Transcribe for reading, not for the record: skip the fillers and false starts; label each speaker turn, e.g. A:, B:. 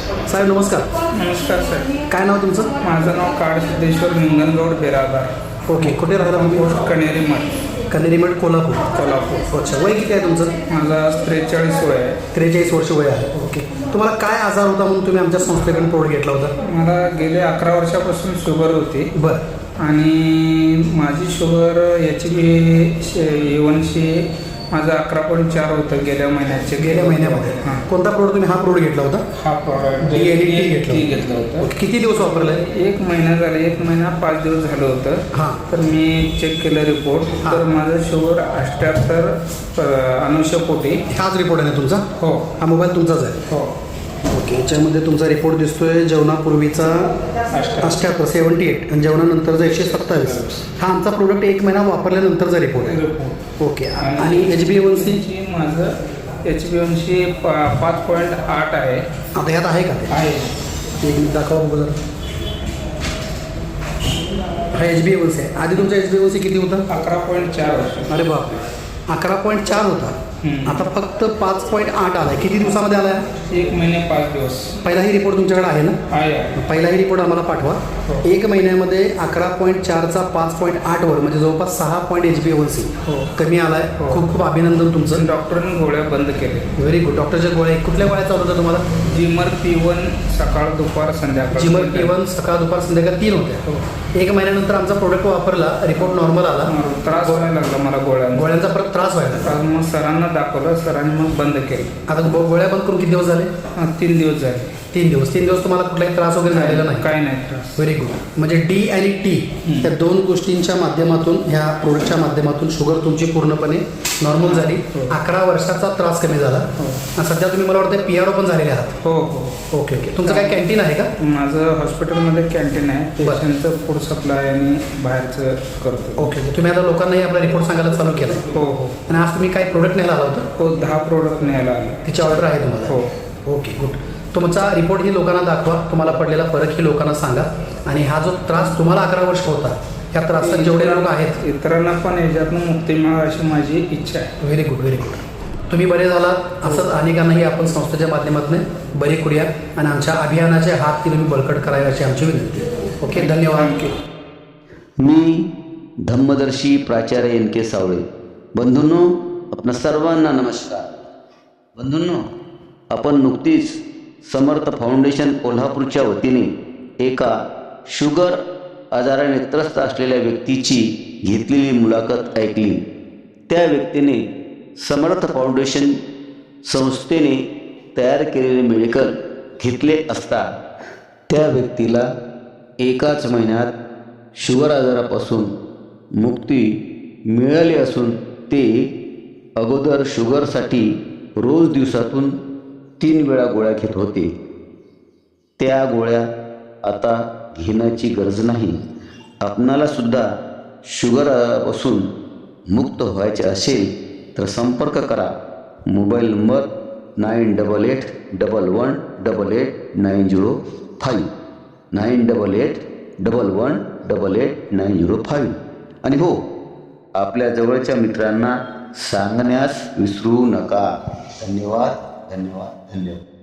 A: साहेब नमस्कार.
B: नमस्कार साहेब.
A: काय नाव तुमचं?
B: माझं नाव काळ सिद्धेश्वर निंगणगौड बेरादार.
A: ओके, कुठे राहता तुम्ही?
B: पोस्ट कणेरी मठ,
A: कन्हेरी मठ, कोल्हापूर.
B: कोल्हापूर.
A: अच्छा, वय किती आहे तुमचं?
B: माझा 43 वय आहे.
A: 43 वर्ष वय आहे. ओके, तुम्हाला काय आजार होता म्हणून तुम्ही आमच्या संस्थेकडून प्रोडक्ट घेतला होता?
B: मला गेले 11 वर्षापासून शुगर होती.
A: बरं.
B: आणि माझी शुगर A1C माझं 11.4 होतं गेल्या
A: महिन्यामध्ये.
B: हां.
A: कोणता प्रोडक्ट तुम्ही हा प्रोडक्ट घेतला होता?
B: हा प्रॉडक्ट
A: टी
B: घेतलं होतं.
A: ओके, किती दिवस वापरले?
B: 1 महिना झाला. 1 महिना 5 दिवस झालं होतं.
A: हां.
B: तर मी चेक केलं रिपोर्ट.
A: हां.
B: तर माझं शुगर 78 अनुषपोटी.
A: हाच रिपोर्ट आहे ना तुमचा?
B: हो
A: हा मोबाईल तुमचाच आहे?
B: हो.
A: ओके, याच्यामध्ये तुमचा रिपोर्ट दिसतोय जेवणापूर्वीचा 78 78 आणि जेवणानंतरचा 127. हा आमचा प्रोडक्ट 1 महिना वापरल्यानंतरचा रिपोर्ट आहे. ओके, आणि HbA1c?
B: माझं HbA1c 5.8 आहे.
A: आता ह्यात आहे का ते?
B: आहे.
A: एक मिनिट दाखवा बघू जरा. हा HbA1c आहे. आधी तुमचा HbA1c किती होता?
B: 11.4 वर्ष.
A: अरे बापरे, 11.4 होता. आता फक्त 5.8 आला आहे. किती दिवसामध्ये आला आहे?
B: 1 महिने 5 दिवस.
A: पहिलाही रिपोर्ट तुमच्याकडे आहे ना?
B: आहे.
A: पहिलाही रिपोर्ट आम्हाला पाठवा.
B: हो.
A: 1 महिन्यामध्ये 11.4चा 5.8 वर म्हणजे जवळपास 6 पॉईंट HbA1c
B: हो.
A: कमी आला आहे.
B: हो.
A: खूप खूप अभिनंदन तुमचं.
B: डॉक्टरने गोळ्या बंद केले.
A: Very good. डॉक्टरच्या गोळ्या कुठल्या गोळ्या चालू होत्या तुम्हाला?
B: जिमर P1 सकाळ दुपार संध्याकाळ.
A: जिमर P1 सकाळ दुपार संध्याकाळ 3 होत्या.
B: हो.
A: 1 महिन्यानंतर आमचा प्रोडक्ट वापरला, रिपोर्ट नॉर्मल आला.
B: त्रास व्हायला लागला मला
A: गोळ्यांचा परत त्रास व्हायला.
B: तर मग सरांना दाखवलं. सरांनी मग बंद केलं.
A: आता गोळ्या बंद करून किती दिवस झाले?
B: 3 दिवस झाले.
A: 3 दिवस तुम्हाला कुठलाही त्रास वगैरे झालेला नाही?
B: काही नाही त्रास.
A: Very good. म्हणजे D आणि T या 2 गोष्टींच्या माध्यमातून, ह्या प्रोडक्टच्या माध्यमातून शुगर तुमची पूर्णपणे नॉर्मल झाली.
B: हो.
A: 11 वर्षाचा त्रास कमी झाला.
B: हो.
A: आणि सध्या तुम्ही मला वाटतं PRO पण झालेले आहात?
B: हो हो.
A: Okay okay. तुमचं काय कॅन्टीन आहे का?
B: माझं हॉस्पिटलमध्ये कॅन्टीन आहे.
A: बरं.
B: पेशंटचं फूड सप्लाय आणि बाहेरचं करतो.
A: Okay okay. तुम्ही आता लोकांनाही आपला रिपोर्ट सांगायला चालू केला आहे?
B: हो हो
A: आणि आज तुम्ही काय प्रोडक्ट न्यायला आला होता?
B: हो. 10 प्रोडक्ट न्यायला आले.
A: तिची ऑर्डर आहे तुम्हाला?
B: हो.
A: Okay good. तुमचा रिपोर्ट ही लोकांना दाखवा. तुम्हाला पडलेला फरक ही लोकांना सांगा. आणि हा जो त्रास तुम्हाला 11 वर्ष होता, ह्या त्रासात जेवढे लोक आहेत
B: इतरांना पण याच्यातून मुक्ती मिळावी अशी माझी इच्छा आहे.
A: Very good very good. तुम्ही बरे झालात. असंच अनेकांनाही आपण संस्थेच्या माध्यमातून बरे करूया आणि आमच्या अभियानाचे हात ती तुम्ही बळकट करावे अशी आमची विनंती. ओके, धन्यवाद.
C: मी धम्मदर्शी प्राचार्य NK सावळे. बंधूंनो, आपणा सर्वांना नमस्कार. बंधूंनो, आपण नुकतीच समर्थ फाउंडेशन कोल्हापूरच्या वतीने एका शुगर आजाराने त्रस्त असलेल्या व्यक्तीची घेतलेली मुलाखत ऐकली. त्या व्यक्तीने समर्थ फाउंडेशन संस्थेने तयार केलेले मेडिकल घेतले असता त्या व्यक्तीला एकाच महिन्यात शुगर आजारापासून मुक्ती मिळाली असून ते अगोदर शुगरसाठी रोज दिवसातून 3 वेळा गोळ्या घेत होते. त्या गोळ्या आता घेण्याची गरज नाही. आपणाला सुद्धा शुगरपासून मुक्त व्हायचे असेल तर संपर्क करा. Mobile number 9881188905 9881188905. आणि हो, आपल्या जवळच्या मित्रांना सांगण्यास विसरू नका. धन्यवाद धन्यवाद धन्यवाद.